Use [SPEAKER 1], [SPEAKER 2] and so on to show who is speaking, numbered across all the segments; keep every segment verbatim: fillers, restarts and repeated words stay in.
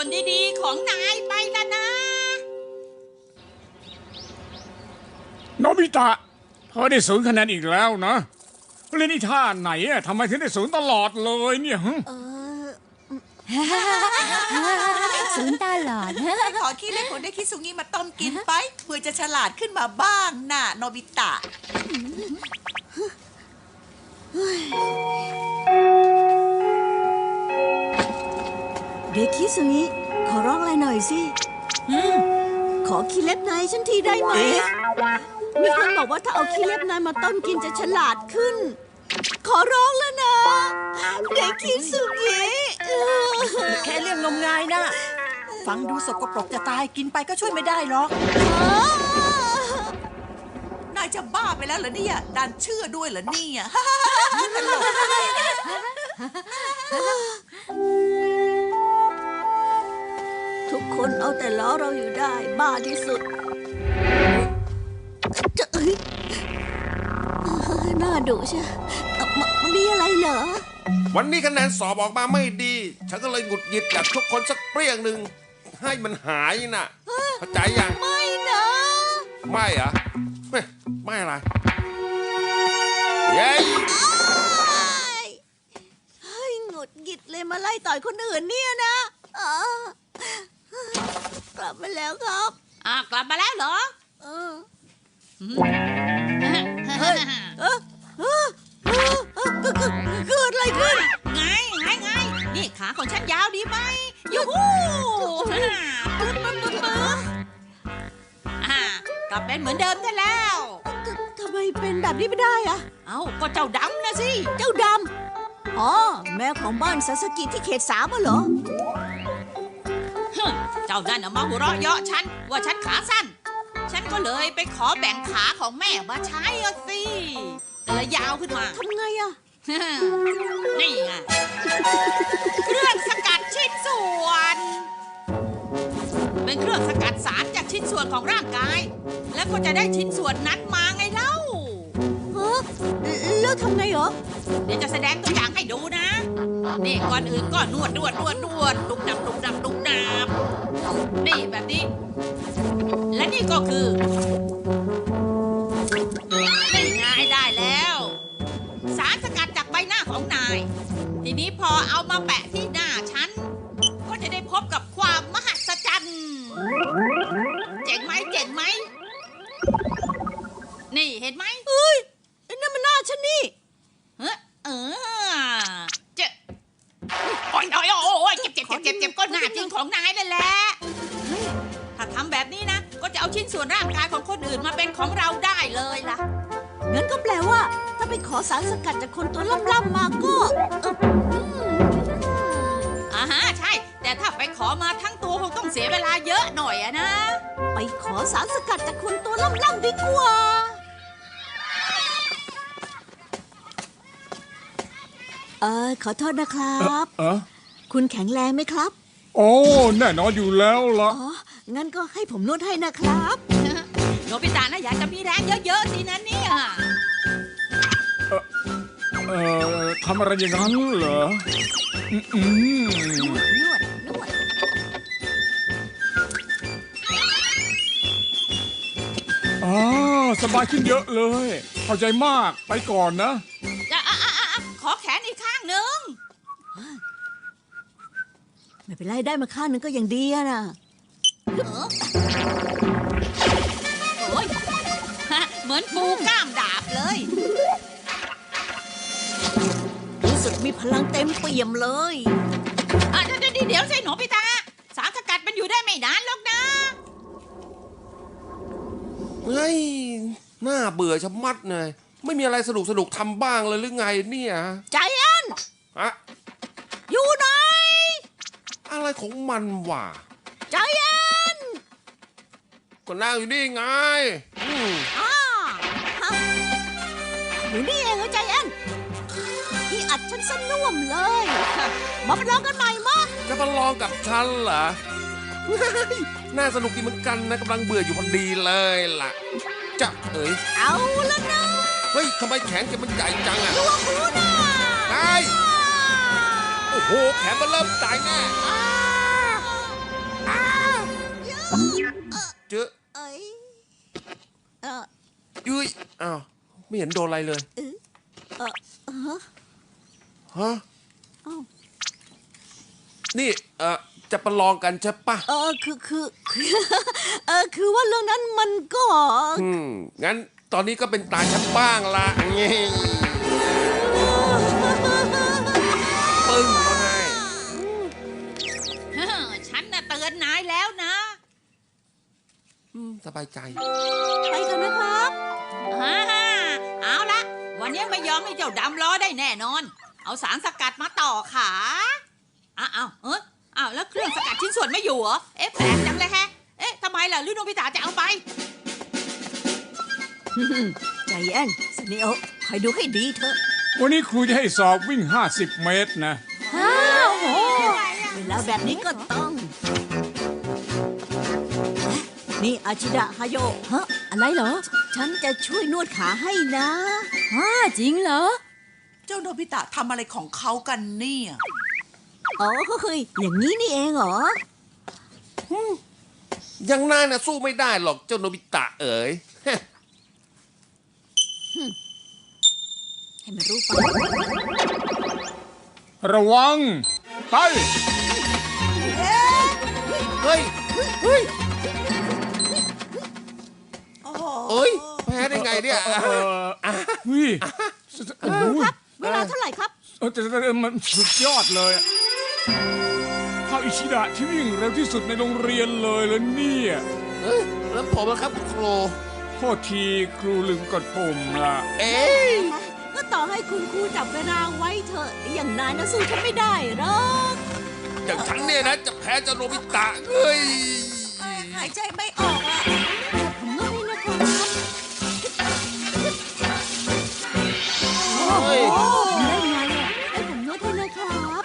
[SPEAKER 1] วนดีๆของนายไปละนะ
[SPEAKER 2] โนบิตะเธอได้ศูนย์คะแนนอีกแล้วนะเล่นอีท่าไหนอะทำไมถึงได้ศูนย์ตลอดเลยเนี่ยฮะ
[SPEAKER 3] ศูนย์ตลอด
[SPEAKER 4] ขอขี้เล่นของเด็กคิซุงิมาต้มกินไปเพื่อจะฉลาดขึ้นมาบ้างน่ะโนบิตะ
[SPEAKER 5] เด็กคิซุงิขอร้องอะไรหน่อยสิขอขี้เล็บนายฉันทีได้ไหมมีคนบอกว่าถ้าเอาขี้เล็บนายมาต้มกินจะฉลาดขึ้นขอร้องแล้วนะเด็กคิซุงิ
[SPEAKER 4] แค่เรื่องงมงายนะฟังดูสกปรกจะตายกินไปก็ช่วยไม่ได้หรอกนายจะบ้าไปแล้วเหรอเนี่ยดันเชื่อด้วยเหรอเนี่ยตลก
[SPEAKER 5] ทุกคนเอาแต่ล้อเราอยู่ได้บ้าที่สุดจะเอ้ยน่าดุใช่มันมีอะไรเหรอ
[SPEAKER 6] วันนี้คะแนนสอบออกมาไม่ดีฉันก็เลยหงุดหงิดอยากทุกคนสักเปรี้ยงหนึ่งให้มันหายน่ะเข้าใจยัง
[SPEAKER 5] ไม่นะ
[SPEAKER 6] ไม่เหรอไม่ไม่อะไรเย้
[SPEAKER 5] เฮ้ยหงุดหงิดเลยมาไล่ต่อยคนอื่นเนี่ยนะกลับมาแล้วครับ
[SPEAKER 1] อ่ากลับมาแล้วเหรอ
[SPEAKER 5] เออเฮ้ยเออเออเกิดอะไรขึ้น
[SPEAKER 1] ไงไงไงนี่ขาของฉันยาวดีไหมยูฮูปึ๊บปึ๊บปึ๊บปึ๊บอ่ากลับเป็นเหมือนเดิมได้แล้ว
[SPEAKER 5] ทำไมเป็นแบบนี้ไม่ได้อะ
[SPEAKER 1] เอ้าก็เจ้าดำนะสิ
[SPEAKER 5] เจ้าดำอ๋อแม่ของบ้านซาสกิที่เขตสามเหรอ
[SPEAKER 1] เจ้านั่นมาหัวเราะเยาะฉันว่าฉันขาสั้นฉันก็เลยไปขอแบ่งขาของแม่มาใช้อ่ะสิเลยยาวขึ้นมา
[SPEAKER 5] ทำไงอะ
[SPEAKER 1] นี่ไงเครื่องสกัดชิ้นส่วนเป็นเครื่องสกัดสารจากชิ้นส่วนของร่างกายแล้วก็จะได้ชิ้นส่วนนั้นมาไงเล่า
[SPEAKER 5] ฮะแล้วทำไงเหรอ
[SPEAKER 1] เดี๋ยวจะแสดงตัวอย่างให้ดูนะนี่ก่อนอื่นก็นวดนวดนวดนวดดุกดับดุกดับดุกดับนี่แบบนี้และนี่ก็คือนี่ไงได้แล้วสารสกัดจากใบหน้าของนายทีนี้พอเอามาแปะที่หน้าฉันก็จะได้พบกับความมหัศจรรย์เจ๋งไหมเจ๋งไหมนี่เห็นไหม
[SPEAKER 5] เอ้ยนั่นมันหน้าฉันนี่
[SPEAKER 1] เออเออเจ็บโอ้ยโอ้ยโอ้ยเจ็บเจ็บเจ็บเจ็บก็หน้าจริงของนายนั่นแหละถ้าทำแบบนี้นะก็จะเอาชิ้นส่วนร่างกายของคนอื่นมาเป็นของเราได้เลยล่ะ
[SPEAKER 5] งั้นก็แปลว่าถ้าไปขอสารสกัดจากคนตัวล่ำๆมาก็
[SPEAKER 1] อ่าฮะใช่แต่ถ้าไปขอมาทั้งตัวคงต้องเสียเวลาเยอะหน่อยอะนะ
[SPEAKER 5] ไปขอสารสกัดจากคนตัวล่ำๆดีกว่าเออขอโทษนะครับ
[SPEAKER 2] เออ
[SPEAKER 5] คุณแข็งแรงไหมครับ
[SPEAKER 2] โอ้แน่นอนอยู่แล้วล่ะ
[SPEAKER 5] อ๋องั้นก็ให้ผมนวดให้นะครับ
[SPEAKER 1] โนบิตะนะอยากจะมีแรงเยอะๆสินะเนี่ย
[SPEAKER 2] เออเออทำอะไรอย่างนั้นเหรออืม
[SPEAKER 5] นวดนวดนวด
[SPEAKER 2] อ๋อสบายขึ้นเยอะเลยเข้าใจมากไปก่อนนะ
[SPEAKER 1] จะอ่ะอ่ะอ่ะขอแขนอีกข้างหนึ่ง
[SPEAKER 5] ไม่เป็นไรได้มาข้างนึงก็ยังดีอะนะ
[SPEAKER 1] โอ้ยเหมือนปูกล้ามดาบเลย
[SPEAKER 5] รู้สึกมีพลังเต็มเปี่ยมเลย
[SPEAKER 1] อ่ะเดี๋ยวเดี๋ยวสิหนูพี่ตาสารสกัดมันอยู่ได้ไม่นานหรอกนะ
[SPEAKER 6] เฮ้ยน่าเบื่อชะมัดเลยไม่มีอะไรสนุกสนุกทำบ้างเลยหรือไงเนี่ย
[SPEAKER 5] ใจแอน
[SPEAKER 6] ฮะ
[SPEAKER 5] อยู่ไหน
[SPEAKER 6] อะไรของมันวะ
[SPEAKER 5] ใจแอน
[SPEAKER 6] ก็นั่งอยู่นี่ไงอืม
[SPEAKER 5] อ่าอยู่นี่เองเหรอใจแอนที่อัดฉันสนุ่มเลยมาประลองกันใหม่มั้ย
[SPEAKER 6] จะประลองกับฉันเหรอน่าสนุกดีเหมือนกันนะกำลังเบื่ออยู่พอดีเลยล่ะจะเอ๋ย
[SPEAKER 5] เอาละนะ
[SPEAKER 6] เฮ้ยทำไมแขนแกมันใหญ่จังอะ
[SPEAKER 5] ตัวคูน่ะ
[SPEAKER 6] ไอ้โอ้โหแขนมันเริ่มตายแน่จื้อ
[SPEAKER 5] เอ้ยเออ
[SPEAKER 6] ยุ้ยอ้าวไม่เห็นโดนอะไรเลย
[SPEAKER 5] เออเออเออ
[SPEAKER 6] ฮะ
[SPEAKER 5] เอ้า
[SPEAKER 6] นี่เออจะประลองกันใช่ปะ
[SPEAKER 5] เออคือคือคือเออคือว่าเรื่องนั้นมันก็
[SPEAKER 6] อืมงั้นตอนนี้ก็เป็นตาฉันบ้างละเงี้ยปึ้งมาให้
[SPEAKER 1] เฮ้อฉันน่ะเตือนนายแล้วนะ
[SPEAKER 6] อืมสบายใจ
[SPEAKER 5] ไปกันนะครับ
[SPEAKER 1] ฮ่าฮ่าเอาละวันนี้ไม่ยอมให้เจ้าดำล้อได้แน่นอน เอาสารสกัดมาต่อขาอ้าวอ้าวเอออ้าวแล้วเครื่องสกัดชิ้นส่วนไม่อยู่เหรอเอ๊ะแปลกจังเลยแฮะเอ๊ะทำไมล่ะหรือโนบิตะจะเอาไป
[SPEAKER 5] ใจเย็นสเนโอคอยดูให้ดีเถอะ
[SPEAKER 2] วันนี้ครูจะให้สอบวิ่ง ห้าสิบ เมตรนะ
[SPEAKER 5] อ้าวโหเวลาแบบนี้ก็ต้อง นี่อาชิดะฮาโยฮะอะไรเหรอ ฉันจะช่วยนวดขาให้นะฮ่าจริงเหรอ
[SPEAKER 4] เจ้าโนบิตะทำอะไรของเขากันเนี่ย
[SPEAKER 5] อ๋อก็คืออย่างนี้นี่เองเหรอ
[SPEAKER 6] ยังนายน่ะสู้ไม่ได้หรอกเจ้าโนบิตะเอ๋ย
[SPEAKER 5] ให้มันรู้ไป
[SPEAKER 2] ระวัง ไป
[SPEAKER 6] เฮ้ย เฮ้ย
[SPEAKER 4] โอ้โห
[SPEAKER 6] เอ้ย แพ้ได้ไงเนี่ย
[SPEAKER 2] เออเฮ้ยโอ้โห
[SPEAKER 5] เวลาเท่าไหร่ครับ
[SPEAKER 2] เออแต่แต่มันสุดยอดเลยเขาอิชิดะที่วิ่งเร็วที่สุดในโรงเรียนเลยแล้วเนี่ย
[SPEAKER 6] เอ้ย แล้วผมนะครับคุณครู
[SPEAKER 2] โทษทีครูลืมกดปุ่มละ
[SPEAKER 6] เอ๊ะ
[SPEAKER 5] ก็ต่อให้คุณครูจับเวลาไว้เถอะ อย่างนายนะสู้ฉันไม่ได้หรอก
[SPEAKER 6] อย่างฉันเนี่ยนะจะแพ้เจ้าโนบิตะเอ้ย
[SPEAKER 4] หายใจไม่ออกอ่ะ
[SPEAKER 5] ผมก็ไม่นะครับ
[SPEAKER 6] เฮ้ย
[SPEAKER 5] ได้ไงอ่ะให้ผมนวดให้นะครับ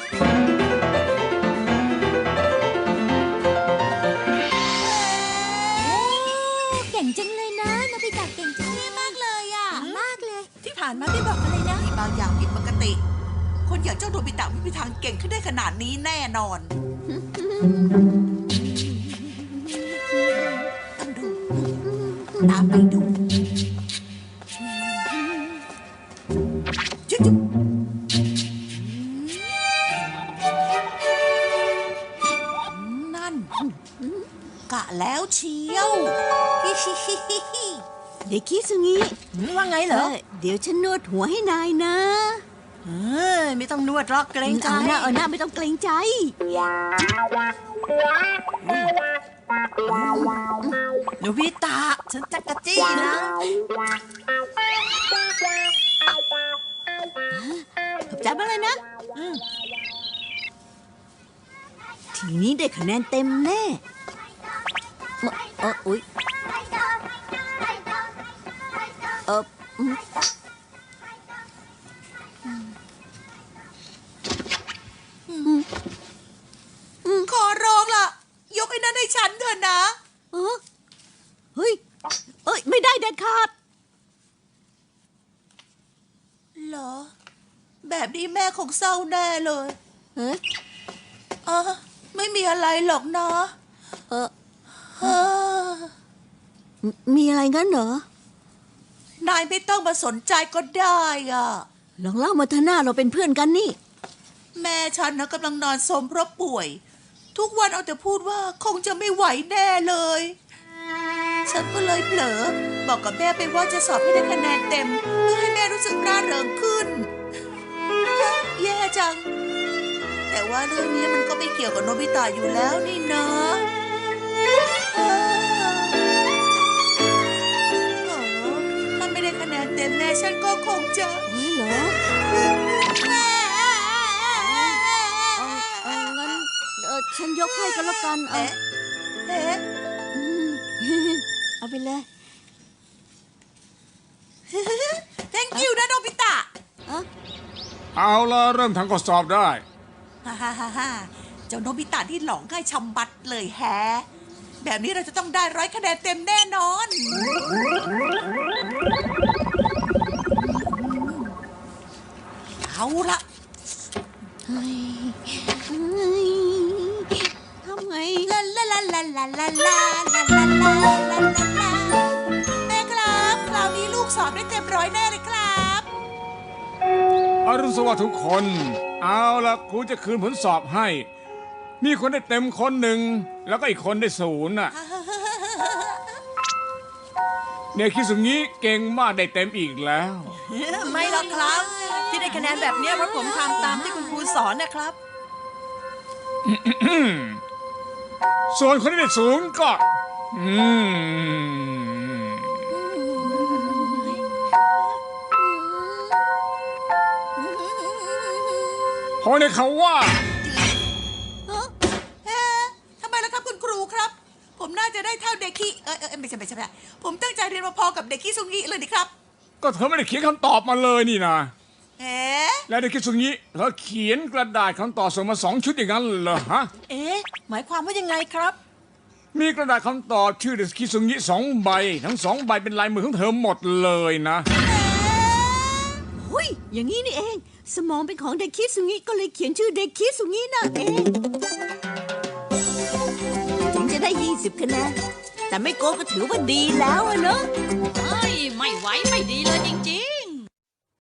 [SPEAKER 3] เก่งจังเลยนะโนบิตะเก่งจังเลยมากเลยอ่ะ มากเลย
[SPEAKER 4] ที่ผ่านมาไม่บอกอะไรนะมีบางอย่างผิดปกติ คนอย่างเจ้าโนบิตะไม่มีทางเก่งขึ้นได้ขนาดนี้แน่นอน ต้องดู ตามไปดูจุ๊บจุ๊บนั่น กะแล้วเชียวฮิฮิฮิฮิฮิ
[SPEAKER 5] เด็กคิดสึงี้
[SPEAKER 4] ว่าไงเหรอ
[SPEAKER 5] เดี๋ยวฉันนวดหัวให้นายนะ
[SPEAKER 4] เอ้ยไม่ต้องนวดหรอกเกรงใจ
[SPEAKER 5] เอาหน้าเอาหน้าไม่ต้องเกรงใจ
[SPEAKER 4] โนบิตะฉันจักกะจี้นะ
[SPEAKER 5] ขอบใจมากเลยนะ
[SPEAKER 4] อืม
[SPEAKER 5] ทีนี้ได้คะแนนเต็มแน่เอออุ๊ยเอออืม
[SPEAKER 4] ขอร้องล่ะ ยกไอ้นั้นให้ฉันเถอะนะ
[SPEAKER 5] เออเฮ้ย เอ้ย ไม่ได้เด็ดขาด
[SPEAKER 4] เหรอ แบบนี้แม่คงเศร้าแน่เลย
[SPEAKER 5] เฮ้ย
[SPEAKER 4] เออไม่มีอะไรหรอกนะ
[SPEAKER 5] เออ
[SPEAKER 4] เออ
[SPEAKER 5] มีอะไรงั้นเหรอ
[SPEAKER 4] นายไม่ต้องมาสนใจก็ได้อ่ะ
[SPEAKER 5] ลองเล่ามาเถอะหน้าเราเป็นเพื่อนกันนี่
[SPEAKER 4] แม่ฉันนะกำลังนอนสมเพราะป่วย ทุกวันเอาแต่พูดว่าคงจะไม่ไหวแน่เลย ฉันก็เลยเผลอ บอกกับแม่ไปว่าจะสอบให้ได้คะแนนเต็ม เพื่อให้แม่รู้สึกร่าเริงขึ้น แย่จัง แต่ว่าเรื่องนี้มันก็ไม่เกี่ยวกับโนบิตะอยู่แล้วนี่นะเออโอ้ถ้าไม่ได้คะแนนเต็มแม่ฉันก็คงจะ
[SPEAKER 5] เฮ้ยเหรอ เออเอองั้นเออฉันยกให้ก็แล้วกันเออ
[SPEAKER 4] เอ๊ะ เอ๊ะ
[SPEAKER 5] อืม เอาไปเลย
[SPEAKER 4] thank you นะโนบิตะ
[SPEAKER 5] เออ
[SPEAKER 2] เอาละเริ่มทำข้อสอบได้
[SPEAKER 4] ฮ่าฮ่าฮ่าฮ่าเจ้าโนบิตะที่หลอกง่ายชำบัดเลยแฮะ แบบนี้เราจะต้องได้ร้อยคะแนนเต็มแน่นอน เอาละ
[SPEAKER 5] เฮ้ยเฮ้ยทำไง
[SPEAKER 4] ลาลาลาลาลาลาลาลาลาลาลาลาลาแม่ครับคราวนี้ลูกสอบได้เต็มร้อยแน่เลยครับ
[SPEAKER 2] อรุณสวัสดิ์ทุกคน เอาละครูจะคืนผลสอบให้ มีคนได้เต็มคนหนึ่ง แล้วก็อีกคนได้ศูนย์น่ะเด็กคิสุงี้เก่งมากได้เต็มอีกแล้ว
[SPEAKER 7] ไม่หรอกครับ ที่ได้คะแนนแบบเนี้ยเพราะผมทำตามที่คุณครูสอนนะครับ
[SPEAKER 2] ส่วนคนที่ได้ศูนย์ก็ อืมเพราะในเขาว่า
[SPEAKER 4] เอ๊ะทำไมล่ะครับคุณครูครับ ผมน่าจะได้เท่าเด็กขี้เออเออไม่ใช่ไม่ใช่ไม่ใช่ผมตั้งใจเรียนมาพอกับเด็กขี้ซุงี้เลยนี่ครับ
[SPEAKER 2] ก็เธอไม่ได้เขียนคำตอบมาเลยนี่นะ
[SPEAKER 4] เอ๊ะ
[SPEAKER 2] แล้วเด็กคิสุงี้เธอเขียนกระดาษคำตอบส่งมาสองชุดอย่างนั้นเหรอฮะ
[SPEAKER 7] เอ๊ะ หมายความว่ายังไงครับ
[SPEAKER 2] มีกระดาษคำตอบชื่อเด็กคิสุงี้สองใบ ทั้งสองใบเป็นลายมือของเธอหมดเลยนะ
[SPEAKER 5] หุยอย่างนี้นี่เอง สมองเป็นของเด็กคิดสุงี้ก็เลยเขียนชื่อเด็กคิดสุงี้นั่นเอง ถึงจะได้ยี่สิบคะแนน แต่ไม่โกงก็ถือว่าดีแล้วอะเนอะ
[SPEAKER 1] เฮ้ย ไม่ไหวไม่ดีเลยจ